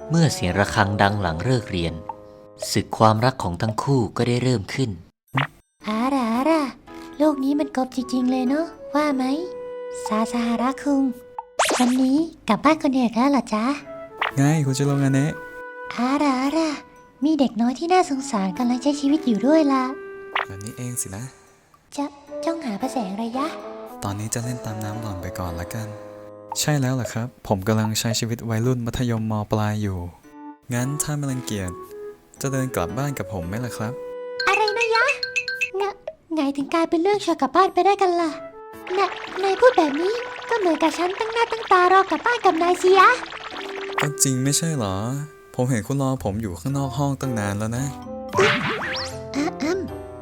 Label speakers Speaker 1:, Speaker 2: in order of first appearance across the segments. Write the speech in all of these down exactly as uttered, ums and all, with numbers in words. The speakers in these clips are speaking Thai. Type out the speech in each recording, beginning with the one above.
Speaker 1: เมื่อเสียงระฆังดังหลังเลิกเรียนศึกความรักของทั้งคู่ก็ได้เริ่มขึ้น
Speaker 2: อาร่าอาร่าโลกนี้มันกบจริงๆเลยเนาะว่าไหมซาซาฮาระคุงวันนี้กลับบ้านคนเดียวแล้วเหรอจ๊ะ
Speaker 3: ไงคุณจะลงงานเนะ
Speaker 2: อาร่าอาร่ามีเด็กน้อยที่น่าสงสารกำลังใช้ชีวิตอยู่ด้วยล่ะ
Speaker 3: แบบนี้เองสินะ
Speaker 2: จะจ้องหาพระแสงระยะ
Speaker 3: ตอนนี้จะเล่นตามน้ำหล่อนไปก่อนละกันใช่แล้วล่ะครับผมกำลังใช้ชีวิตวัยรุ่นมัธยมมปลายอยู่งั้นถ้าไม่รังเกียจจะเดินกลับบ้านกับผมไหมล่ะครับ
Speaker 2: อะไรนะยะงะไงถึงกลายเป็นเรื่องชวนกลับบ้านไปได้กันล่ะน่ะนายพูดแบบนี้ก็เหมือนกับฉันตั้งหน้าตั้งตารอกลับบ้านกับนายสิยะ
Speaker 3: ก็จริงไม่ใช่เหรอผมเห็นคุณรอผมอยู่ข้างนอกห้องตั้งนานแล้วนะ
Speaker 2: อ้ำ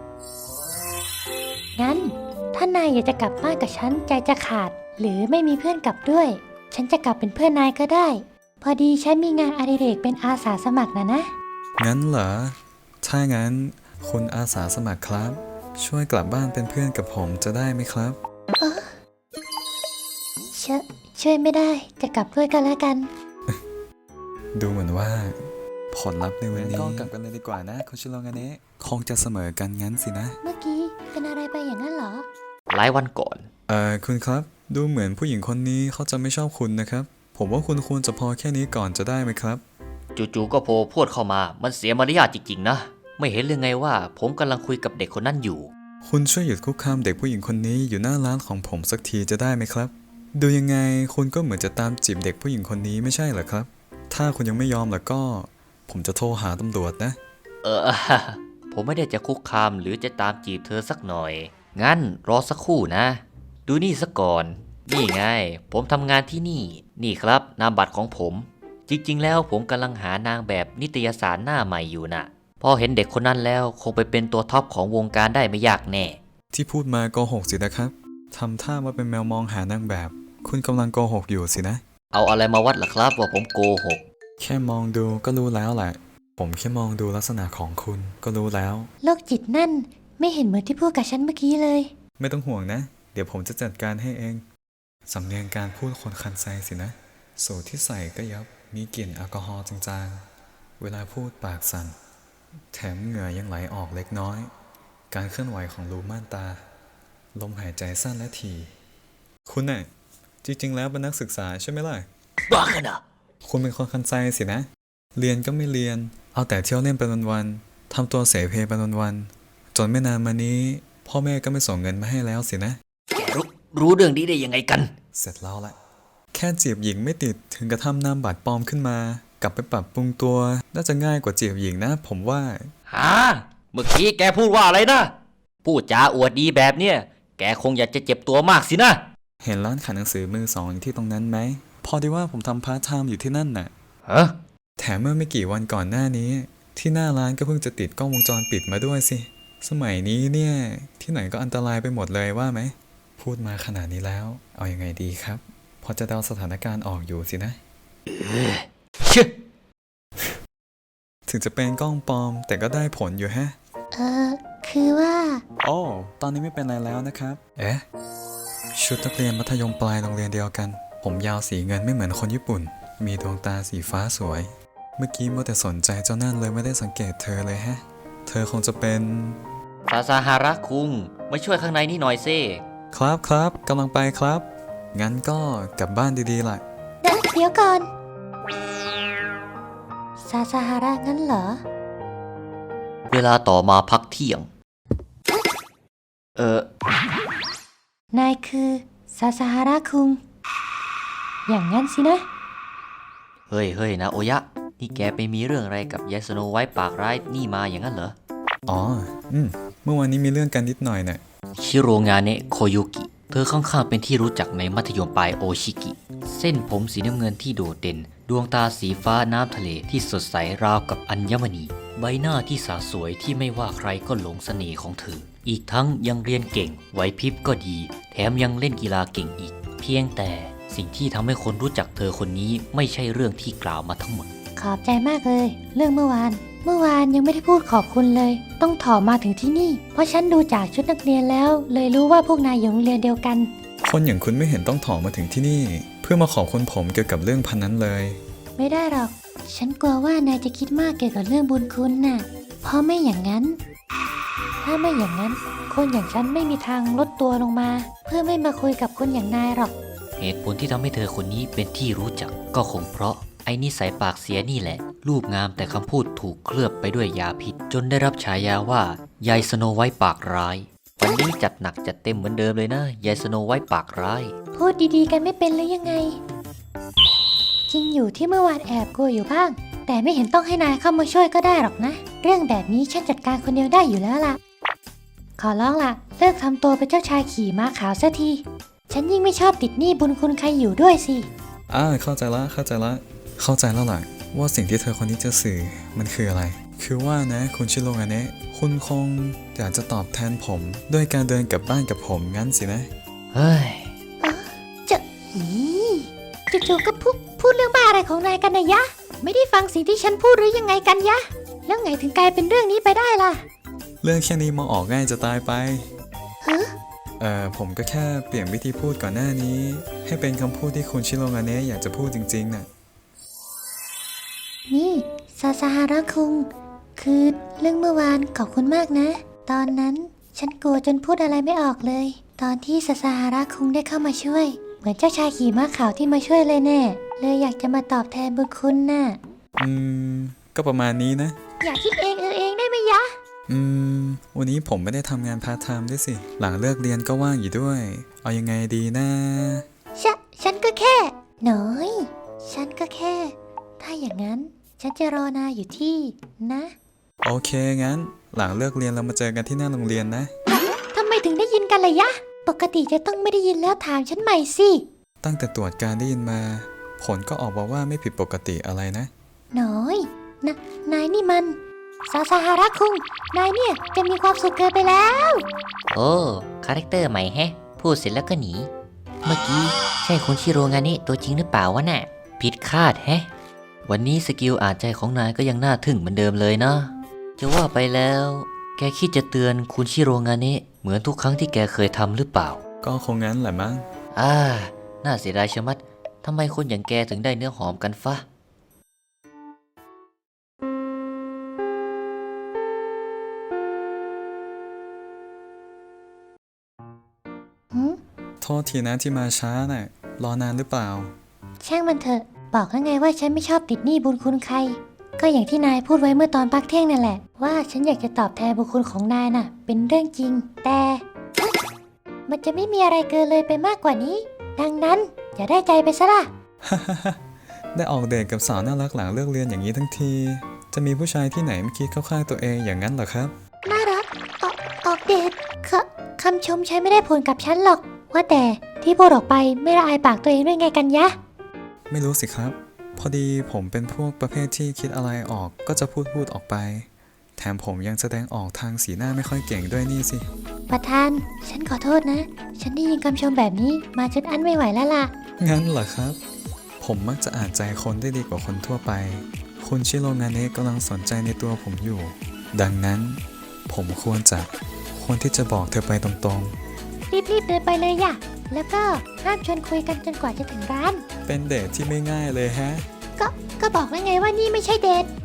Speaker 2: งั้นถ้านายอยากจะกลับบ้านกับฉันใจจะขาดหรือไม่มีเพื่อนกลับด้วยฉันจะกลับเป็นเพื่อนนายก็ได้พอดีฉันมีงานอดิเรกเป็นอาสาสมัครนะนะ
Speaker 3: งั้นเหรอถ้างั้นคุณอาสาสมัครครับช่วยกลับบ้านเป็นเพื่อนกับผมจะได้ไหมครับ
Speaker 2: เออชช่วยไม่ได้จะกลับด้วยกันแล้วกัน
Speaker 3: ดูเหมือนว่าผลลัพธ์ในวันนี้ก็กลับกันเลยดีกว่านะคุณชิโรงาเนะคงจะเสมอกันงั้นสินะ
Speaker 2: เมื่อกี้เป็นอะไรไปอย่างนั้นเหรอ
Speaker 1: หลายวันก่อน
Speaker 3: เอ่อคุณครับดูเหมือนผู้หญิงคนนี้เขาจะไม่ชอบคุณนะครับผมว่าคุณควรจะพอแค่นี้ก่อนจะได้ไหมครับ
Speaker 1: จู่ๆก็โผล่พรวดเข้ามามันเสียมารยาทจริงๆนะไม่เห็นเลยไงว่าผมกำลังคุยกับเด็กคนนั้นอยู่
Speaker 3: คุณช่วยหยุดคุกคามเด็กผู้หญิงคนนี้อยู่หน้าร้านของผมสักทีจะได้ไหมครับดูยังไงคุณก็เหมือนจะตามจีบเด็กผู้หญิงคนนี้ไม่ใช่เหรอครับถ้าคุณยังไม่ยอมแล้วก็ผมจะโทรหาตำรวจนะ
Speaker 1: เออผมไม่ได้จะคุกคามหรือจะตามจีบเธอสักหน่อยงั้นรอสักครู่นะดูนี่ซะก่อนนี่ไงผมทำงานที่นี่นี่ครับนามบัตรของผมจริงๆแล้วผมกำลังหานางแบบนิตยสารหน้าใหม่อยู่น่ะพอเห็นเด็กคนนั้นแล้วคงไปเป็นตัวท็อปของวงการได้ไม่ยากแน่
Speaker 3: ที่พูดมาโกหกสินะครับทำท่าว่าเป็นแมวมองหานางแบบคุณกำลังโกหกอยู่สินะ
Speaker 1: เอาอะไรมาวัดล่ะครับว่าผมโกหก
Speaker 3: แค่มองดูก็รู้แล้วแหละผมแค่มองดูลักษณะของคุณก็รู้แล้ว
Speaker 2: โรคจิตนั่นไม่เห็นเหมือนที่พูดกับฉันเมื่อกี้เลย
Speaker 3: ไม่ต้องห่วงนะเดี๋ยวผมจะจัดการให้เองสำเนียงการพูดคนคันไซสินะสูตรที่ใส่ก็ยับมีกลิ่นแอลกอฮอล์จางๆเวลาพูดปากสั่นแถมเหงื่อยังไหลออกเล็กน้อยการเคลื่อนไหวของรูม่านตาลมหายใจสั้นและถี่คุณน่ะจริงๆแล้วเป็นนักศึกษาใช่ไหมล่ะ
Speaker 1: บ้าขนาด
Speaker 3: คุณเป็นคนคันไซสินะเรียนก็ไม่เรียนเอาแต่เที่ยวเล่นไปวันๆทำตัวเสเพไปวันๆจนไม่นานมานี้พ่อแม่ก็ไม่ส่งเงินมาให้แล้วสินะ
Speaker 1: แกรู้รู้เรื่องนี้ได้ยังไงกัน
Speaker 3: เสร็จแล้วแหละแค่จีบหญิงไม่ติดถึงกระทำนามบัตรปลอมขึ้นมากลับไปปรับปรุงตัวน่าจะง่ายกว่าจีบหญิงนะผมว่า
Speaker 1: ฮะเมื่อกี้แกพูดว่าอะไรนะพูดจาอวดดีแบบเนี้ยแกคงอยากจะเจ็บตัวมากสินะ
Speaker 3: เห็นร้านขายหนังสือมือสองอยู่ที่ตรงนั้นไหมพอดีว่าผมทำพาร์ทไทม์อยู่ที่นั่นน่ะ
Speaker 1: ฮะ
Speaker 3: แถมเมื่อไม่กี่วันก่อนหน้านี้ที่หน้าร้านก็เพิ่งจะติดกล้องวงจรปิดมาด้วยสิสมัยนี้เนี่ยที่ไหนก็อันตรายไปหมดเลยว่าไหมพูดมาขนาดนี้แล้วเอายังไงดีครับพอจะเดาสถานการณ์ออกอยู่สินะ
Speaker 1: เออเชื่อ
Speaker 3: ถึงจะเป็นกล้องปลอมแต่ก็ได้ผลอยู่ฮะ
Speaker 2: เออคือว่า
Speaker 3: โอ้ตอนนี้ไม่เป็นไรแล้วนะครับเอ๊ะชุดนักเรียนมัธยมปลายโรงเรียนเดียวกันผมยาวสีเงินไม่เหมือนคนญี่ปุ่นมีดวงตาสีฟ้าสวยเมื่อกี้มัวแต่สนใจเจ้านั่นเลยไม่ได้สังเกตเธอเลยฮะเธอคงจะเป็น
Speaker 1: ซาซาฮาระคุงมาช่วยข้างในนี่หน่อยซิ
Speaker 3: ครับครับกำลังไปครับงั้นก็กลับบ้านดีๆล่ะ
Speaker 2: เดี๋ยวก่อนซาซาฮาระงั้นเหรอ
Speaker 1: เวลาต่อมาพักเที่ยงเอ
Speaker 2: อนายคือซาซาฮาระคุงอย่างงั้นสินะ
Speaker 1: เฮ้ยเฮ้ยนะโอยะนี่แกไปมีเรื่องอะไรกับยายสโนไวท์ปากร้ายนี่มาอย่างนั้นเหรอ
Speaker 3: อ๋ออืมเมื่อวานนี้มีเรื่องกันนิดหน่อยน่ะ
Speaker 1: ชิโรงาเนะโคโยกิเธอค่อนข้างเป็นที่รู้จักในมัธยมปลายโอชิกิเส้นผมสีน้ำเงินที่โดดเด่นดวงตาสีฟ้าน้ำทะเลที่สดใสราวกับอัญมณีใบหน้าที่สาสวยที่ไม่ว่าใครก็หลงเสน่ห์ของเธออีกทั้งยังเรียนเก่งไหวพริบก็ดีแถมยังเล่นกีฬาเก่งอีกเพียงแต่สิ่งที่ทำให้คนรู้จักเธอคนนี้ไม่ใช่เรื่องที่กล่าวมาทั้งหมด
Speaker 2: ขอบใจมากเลยเรื่องเมื่อวานเมื่อวานยังไม่ได้พูดขอบคุณเลยต้องถอมาถึงที่นี่เพราะฉันดูจากชุดนักเรียนแล้วเลยรู้ว่าพวกนายอยู่โรงเรียนเดียวกัน
Speaker 3: คนอย่างคุณไม่เห็นต้องถอมาถึงที่นี่เพื่อมาขอบคุณผมเกี่ยวกับเรื่องพันนั้นเลย
Speaker 2: ไม่ได้หรอก ฉันกลัวว่านายจะคิดมากเกี่ยวกับเรื่องบุญคุณน่ะ เพราะไม่อย่างนั้น ถ้าไม่อย่างนั้น คนอย่างฉันไม่มีทางลดตัวลงมา เพื่อไม่มาคุยกับคนอย่างนายหรอก
Speaker 1: เหตุผลที่ทำให้เธอคนนี้เป็นที่รู้จักก็คงเพราะไอ้นิสัยปากเสียนี่แหละ รูปงามแต่คำพูดถูกเคลือบไปด้วยยาพิษ จนได้รับฉายาว่ายายสโนไวท์ปากร้าย วันนี้จัดหนักจัดเต็มเหมือนเดิมเลยนะยายสโนไวท์ปากร้าย
Speaker 2: พูดดีๆกันไม่เป็นหรือยังไง จริงอยู่ที่เมื่อวานแอบกลัวอยู่บ้าง แต่ไม่เห็นต้องให้นายเข้ามาช่วยก็ได้หรอกนะ เรื่องแบบนี้ฉันจัดการคนเดียวได้อยู่แล้วล่ะ ขอร้องล่ะ เลิกทำตัวเป็นเจ้าชายขี่ม้าขาวสักที ฉันยิ่งไม่ชอบติดหนี้บุญคุณใครอยู่ด้วยสิ
Speaker 3: อ่าเข้าใจละเข้าใจละเข้าใจแล้วล่ะว่าสิ่งที่เธอคนนี้จะสื่อมันคืออะไร คือว่านะคุณชิโรงาเนะคุณคงอยากจะตอบแทนผมด้วยการเดินกลับบ้านกับผมงั้นสินะ
Speaker 1: เฮ้ย
Speaker 2: จะอีจู่ๆก็พูดพูดเรื่องบ้าอะไรของนายกันนะยะ ไม่ได้ฟังสิ่งที่ฉันพูดหรือยังไงกันยะ แล้วไงถึงกลายเป็นเรื่องนี้ไปได้ล่ะ
Speaker 3: เรื่องแค่นี้มองออกง่ายจะตายไป
Speaker 2: ฮะ
Speaker 3: เอ่อผมก็แค่เปลี่ยนวิธีพูดก่อนหน้านี้ ให้เป็นคำพูดที่คุณชิโรงาเนะอยากจะพูดจริงๆน่ะ
Speaker 2: นี่ซาซาฮาระคุง คือเรื่องเมื่อวานขอบคุณมากนะ ตอนนั้นฉันกลัวจนพูดอะไรไม่ออกเลย ตอนที่ซาซาฮาระคุงได้เข้ามาช่วย เหมือนเจ้าชายขี่ม้าขาวที่มาช่วยเลยแน่ เลยอยากจะมาตอบแทนบุญคุณน่ะ
Speaker 3: อืมก็ประมาณนี้นะ
Speaker 2: อยากคิดเองเออเองได้ไหมยะ
Speaker 3: อืมวันนี้ผมไม่ได้ทำงานพาร์ทไทม์ด้วยสิ หลังเลิกเรียนก็ว่างอยู่ด้วย เอายังไงดีนะ
Speaker 2: ฉะฉันก็แค่น้อย ฉันก็แค่ ถ้าอย่างนั้นฉันจะรอนายอยู่ที่นะ
Speaker 3: โอเคงั้น หลังเลิกเรียนเรามาเจอกันที่หน้าโรงเรียนนะ
Speaker 2: ทำไมถึงได้ยินกันล่ะยะ ปกติจะต้องไม่ได้ยินแล้วถามฉันใหม่สิ
Speaker 3: ตั้งแต่ตรวจการได้ยินมา ผลก็ออกมาว่าไม่ผิดปกติอะไรนะ
Speaker 2: น้อยนะนายนี่มันซาซาฮาระคุง นายเนี่ยจะมีความสุขเกินไปแล้ว
Speaker 1: โอ้คาแรคเตอร์ใหม่แฮะ พูดเสร็จแล้วก็หนี เมื่อกี้ใช่คุณชิโรงานิตัวจริงหรือเปล่าวะน่ะ ผิดคาดแฮะ วันนี้สกิลอ่านใจของนายก็ยังน่าทึ่งเหมือนเดิมเลยนะ จะว่าไปแล้ว แกคิดจะเตือนคุณชิโรงานิเหมือนทุกครั้งที่แกเคยทำหรือเปล่า
Speaker 3: ก็คงงั้นแหละมั้ง
Speaker 1: อ่า น่าเสียดายชะมัด ทำไมคนอย่างแกถึงได้เนื้อหอมกันฟะ
Speaker 2: หืม
Speaker 3: โทษทีนะที่มาช้าน่ะ รอนานหรือเปล่า
Speaker 2: ช่างมันเถอะ บอกแล้วไงว่าฉันไม่ชอบติดหนี้บุญคุณใคร ก็อย่างที่นายพูดไว้เมื่อตอนพักเที่ยงนั่นแหละ ว่าฉันอยากจะตอบแทนบุญคุณของนายน่ะ เป็นเรื่องจริง แต่ มันจะไม่มีอะไรเกินเลยไปมากกว่านี้ ดังนั้นอย่าได้ใจไปซะล่ะ
Speaker 3: ได้ออกเดทกับสาวน่ารักหลังเลิกเรียนอย่างนี้ทั้งที จะมีผู้ชายที่ไหนไม่คิดเข้าข้างตัวเองอย่างนั้นเหรอครับ
Speaker 2: น่ารัก ออกออกเดทคคำชมใช้ไม่ได้ผลกับฉันหรอก ว่าแต่ที่พูดออกไปไม่ละอายปากตัวเองด้วยไงกันยะ
Speaker 3: ไม่รู้สิครับ พอดีผมเป็นพวกประเภทที่คิดอะไรออกก็จะพูดพูดออกไป แถมผมยังแสดงออกทางสีหน้าไม่ค่อยเก่งด้วยนี่สิ
Speaker 2: ประธาน ฉันขอโทษนะ ฉันได้ยินคำชมแบบนี้มาจนอั้นไม่ไหวแล้วล่ะ
Speaker 3: งั้นเหรอครับ ผมมักจะอ่านใจคนได้ดีกว่าคนทั่วไป คุณชิโรงาเนะกำลังสนใจในตัวผมอยู่ ดังนั้น ผมควรจะควรที่จะบอกเธอไปตรงๆ
Speaker 2: รีบๆเดินไปเลยย่ะ แล้วก็ห้ามชวนคุยกันจนกว่าจะถึงร้าน
Speaker 3: เป็นเดทที่ไม่ง่ายเลยฮะ
Speaker 2: ก็ก็บอกแล้วไงว่านี่ไม่ใช่เดท